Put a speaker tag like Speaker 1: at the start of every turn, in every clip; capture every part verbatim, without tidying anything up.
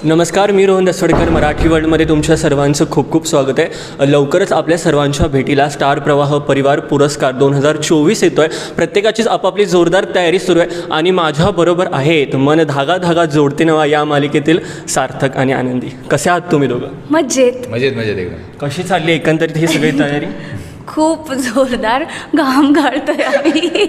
Speaker 1: नमस्कार, मी रोहन दसवडकर. मराठी वर्ल्डमध्ये तुमच्या सर्वांचं खूप खूप स्वागत आहे. लवकरच आपल्या सर्वांच्या भेटीला स्टार प्रवाह परिवार पुरस्कार दोन हजार चोवीस येतो आहे. प्रत्येकाचीच आपापली जोरदार तयारी सुरू आहे आणि माझ्याबरोबर आहेत मन धागा धागा जोडते नवा या मालिकेतील सार्थक आणि आनंदी. कसे आहात तुम्ही दोघं?
Speaker 2: मजेत
Speaker 3: मजेत मजेत एकदम.
Speaker 1: कशी चालली एकंदरीत ही सगळी तयारी?
Speaker 2: खूप जोरदार घाम गाळतोय आम्ही.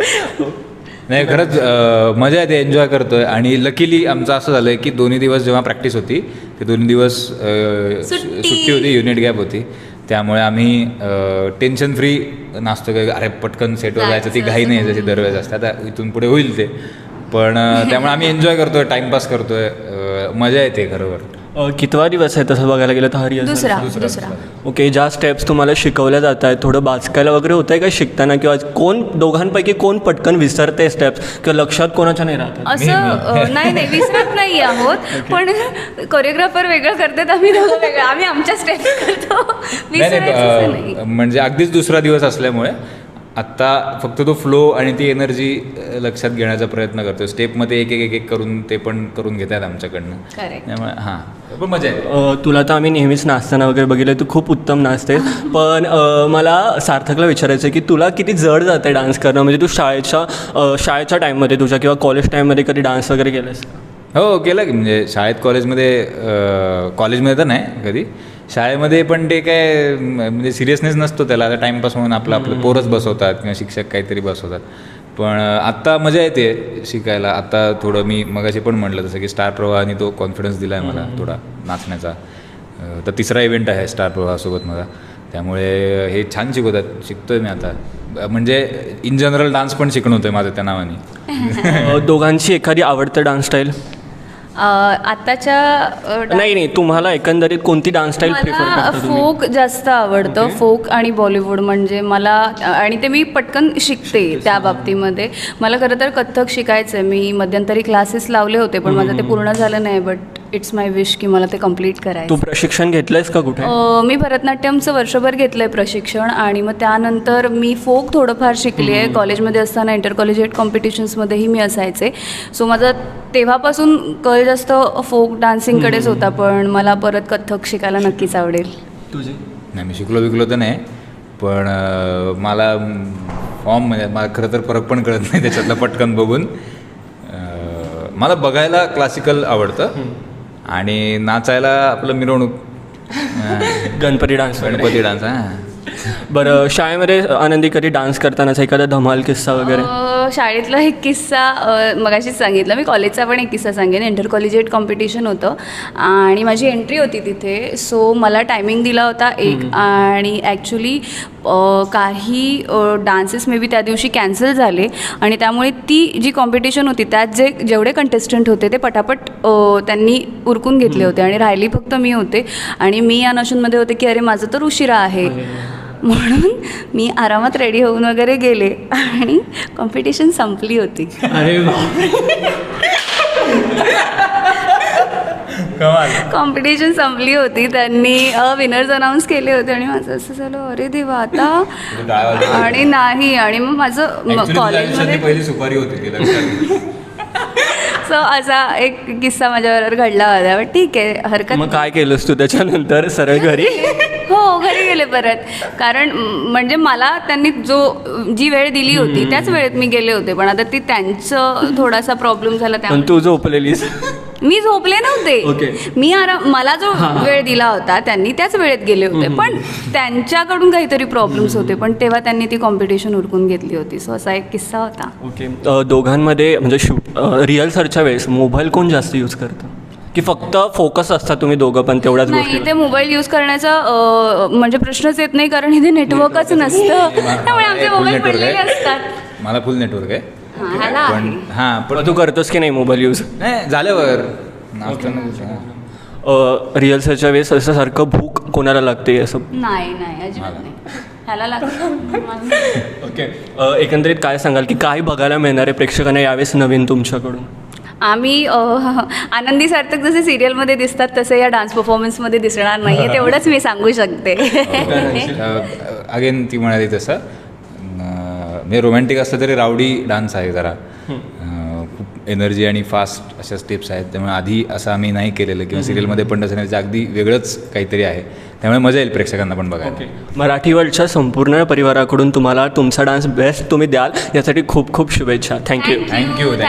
Speaker 3: नाही खरंच अं, मजा येते, एन्जॉय करतोय. आणि लकीली आमचं असं झालं आहे की दोन्ही दिवस जेव्हा प्रॅक्टिस होती ते दोन्ही दिवस अं,
Speaker 2: सुट्टी.
Speaker 3: सुट्टी होती, युनिट गॅप होती. त्यामुळे आम्ही टेन्शन फ्री नाचतो. काय अरे पटकन सेटवर जायचं, ती घाई नाही जशी दरवेळेस असते. आता इथून पुढे होईल ते, पण अं, त्यामुळे आम्ही एन्जॉय करतोय, टाईमपास करतोय, अं, मजा येते खरोखर.
Speaker 1: अ, कितवा दिवस आहे तसं बघायला गेलं तर हा रिहर्सल?
Speaker 2: दुसरा
Speaker 3: दुसरा
Speaker 2: दुसरा
Speaker 1: ओके. ज्या स्टेप्स तुम्हाला शिकवल्या जात आहेत थोडं बाचकायला वगैरे होतं आहे का शिकताना, किंवा कोण दोघांपैकी कोण पटकन विसरते स्टेप्स किंवा लक्षात कोणाच्या नाही राहतात?
Speaker 2: असं अ, नाही नाही विसरत नाही आहोत, पण कोरिओग्राफर वेगळं करतात, आम्ही दोघं वेगळं, आम्ही आमच्या स्टेप करतो.
Speaker 3: नाही
Speaker 2: विसरायचं असं नाही.
Speaker 3: नाही, म्हणजे अगदीच दुसरा दिवस असल्यामुळे आत्ता फक्त तो फ्लो आणि ती एनर्जी लक्षात घेण्याचा प्रयत्न करतो. स्टेपमध्ये एक एक एक एक करून ते पण करून घेत आहेत आमच्याकडनं.
Speaker 2: Correct.
Speaker 3: त्यामुळे हां, पण मजा आहे.
Speaker 1: अ, तुला तर आम्ही नेहमीच नाचताना वगैरे बघितलं, तू खूप उत्तम नाचतेस. पण अ, मला सार्थकला विचारायचं आहे की तुला किती जड जाते डान्स करणं? म्हणजे तू शाळेच्या अ, शाळेच्या टाईममध्ये तुझ्या किंवा कॉलेज टाईममध्ये कधी डान्स वगैरे केलास?
Speaker 3: हो केलं की, म्हणजे शाळेत कॉलेजमध्ये अं, कॉलेजमध्ये तर नाही कधी, शाळेमध्ये पण ते काय म्हणजे सिरियसनेस नसतो त्याला. आता टाईमपास म्हणून आपलं आपलं पोरच बसवतात किंवा शिक्षक काहीतरी बसवतात. पण आत्ता मजा येते शिकायला. आता थोडं मी मगाशी पण म्हटलं तसं की स्टार प्रवाहाने तो कॉन्फिडन्स दिला आहे मला थोडा नाचण्याचा. अं, तर तिसरा इव्हेंट आहे स्टार प्रवाहासोबत माझा, त्यामुळे हे छान शिकवतात. शिकतो आहे मी आता, म्हणजे इन जनरल डान्स पण शिकणं होतं आहे माझं त्या नावाने.
Speaker 1: अ, दोघांची एखादी आवडतं डान्स स्टाईल?
Speaker 2: अ, आत्ताच्या अ, डा-
Speaker 1: नाही नाही, तुम्हाला एकंदरीत कोणती डान्स स्टाईल प्रिफर
Speaker 2: मला
Speaker 1: करता तुम्ही?
Speaker 2: फोक जास्त आवडतं. फोक आणि बॉलिवूड म्हणजे मला, आणि ते मी पटकन शिकते त्या बाबतीमध्ये. मला खरं तर कथ्थक शिकायचं आहे. मी मध्यंतरी क्लासेस लावले होते, पण माझं ते पूर्ण झालं नाही. बट इट्स माय विश की मला ते कम्प्लीट
Speaker 1: तू
Speaker 2: करायचं.
Speaker 1: प्रशिक्षण घेतलंयस का कुठे?
Speaker 2: अ, मी भरतनाट्यमचं वर्षभर घेतलं आहे प्रशिक्षण, आणि मग त्यानंतर मी फोक थोडंफार शिकली आहे. कॉलेजमध्ये असताना इंटर कॉलेजिएट कॉम्पिटिशन्समध्येही मी असायचे. सो माझा तेव्हापासून कल जास्त फोक डान्सिंगकडेच होता, पण मला परत कथ्थक शिकायला नक्कीच आवडेल.
Speaker 1: तुझी?
Speaker 3: नाही मी शिकलो बिकलो तर नाही, पण अं, मला फॉर्म म्हणजे मला खरं तर फरक पण कळत नाही त्याच्यातलं पटकन बघून. अं, मला बघायला क्लासिकल आवडतं आणि नाचायला आपलं मिरवणूक, अं,
Speaker 1: गणपती डान्स वगैरे.
Speaker 3: गणपती डान्स. हां,
Speaker 1: बरं, शाळेमध्ये आनंदी कधी डान्स करतानाचा एखादा धमाल किस्सा वगैरे?
Speaker 2: अ, शाळेतला एक किस्सा अ, मगाशीच सांगितलं मी. कॉलेजचा पण एक किस्सा सांगेन. इंटर कॉलेजिएट कॉम्पिटिशन होतं आणि माझी एंट्री होती तिथे. सो मला टायमिंग दिला होता एक, आणि ॲक्च्युली काही डान्सेस मे बी त्या दिवशी कॅन्सल झाले, आणि त्यामुळे ती जी कॉम्पिटिशन होती त्यात जे जेवढे कंटेस्टंट होते ते पटापट अ, त्यांनी उरकून घेतले होते, आणि राहिली फक्त मी होते. आणि मी या नशूनमध्ये होते की अरे माझं तर उशिरा आहे, म्हणून मी आरामात रेडी होऊन वगैरे गेले, आणि कॉम्पिटिशन संपली होती.
Speaker 1: अरे
Speaker 2: कॉम्पिटिशन संपली होती. त्यांनी विनर्स अनाऊन्स केले होते, आणि माझं असं झालं अरे देवा आता. आणि नाही, आणि मग माझं
Speaker 3: Actually तुझ्या आयुष्यातली
Speaker 2: कॉलेजमध्ये
Speaker 3: पहिली सुपारी होती ती, लक्षात घे.
Speaker 2: सो असा एक किस्सा माझ्याबरोबर घडला होता. पण ठीक आहे, हरकत
Speaker 1: मग काय केलंस तू त्याच्यानंतर? सरळ घरी?
Speaker 2: हो, घरी गेले परत. कारण म, म्हणजे मला त्यांनी जो जी वेळ दिली होती त्याच वेळेत मी गेले होते, पण आता ती त्यांचं थोडासा प्रॉब्लेम झाला
Speaker 1: पण
Speaker 2: त्यामुळे
Speaker 1: तू झोपलेलीस?
Speaker 2: मी झोपले नव्हते.
Speaker 1: Okay.
Speaker 2: मी आराम, मला जो वेळ दिला होता त्यांनी त्याच वेळेत गेले होते, पण त्यांच्याकडून काहीतरी प्रॉब्लेम्स होते, पण तेव्हा त्यांनी ती कॉम्पिटिशन उरकून घेतली होती. सो असा एक किस्सा होता.
Speaker 1: ओके. अ, दोघांमध्ये म्हणजे शूट रिहर्सलच्या वेळेस मोबाईल कोण जास्त यूज करतं, की फक्त फोकस असतात तुम्ही दोघं पण तेवढ्याच
Speaker 2: नाही,
Speaker 1: गोष्टी?
Speaker 2: ते मोबाईल यूज करण्याचा अ, म्हणजे प्रश्नच येत नाही, कारण इथे नेटवर्कच नसतं. त्यामुळे आमचे
Speaker 3: फुल
Speaker 2: मोबाईल
Speaker 3: नेटवर्क
Speaker 2: पडलेले
Speaker 3: आहे,
Speaker 2: असतात.
Speaker 3: मला फुल नेटवर्क आहे.
Speaker 2: हां, ह्याला
Speaker 3: पण
Speaker 2: आहे.
Speaker 3: हां, पण
Speaker 1: पण तू करतोस की नाही मोबाईल यूज?
Speaker 3: नाही झाल्यावर नाचताना कुठं.
Speaker 1: रिहर्सलच्या वेळेस असं सारखं भूक कोणाला लागते असं?
Speaker 2: नाही नाही अजिबात नाही. ह्याला लागतं.
Speaker 1: ओके. अ, एकंदरीत काय सांगाल की काय बघायला मिळणार आहे प्रेक्षकांना यावेळेस नवीन तुमच्याकडून?
Speaker 2: आम्ही अ, आनंदी सार्थक जसे सिरियलमध्ये दिसतात तसे या डान्स परफॉर्मन्समध्ये दिसणार नाही आहे, तेवढंच मी सांगू शकते.
Speaker 3: अगेन ती म्हणाली तसं, म्हणजे रोमॅन्टिक असलं तरी रावडी डान्स आहे जरा. अं, खूप एनर्जी आणि फास्ट अशा स्टेप्स आहेत. त्यामुळे आधी असं आम्ही नाही केलेलं किंवा सिरियलमध्ये पण तसं नाही, त्याचं अगदी वेगळंच काहीतरी आहे. त्यामुळे मजा येईल प्रेक्षकांना पण बघायला.
Speaker 1: ओके, मराठी वर्ल्डच्या संपूर्ण परिवाराकडून तुम्हाला तुमचा डान्स बेस्ट तुम्ही द्याल यासाठी खूप खूप शुभेच्छा. थँक्यू.
Speaker 3: थँक्यू.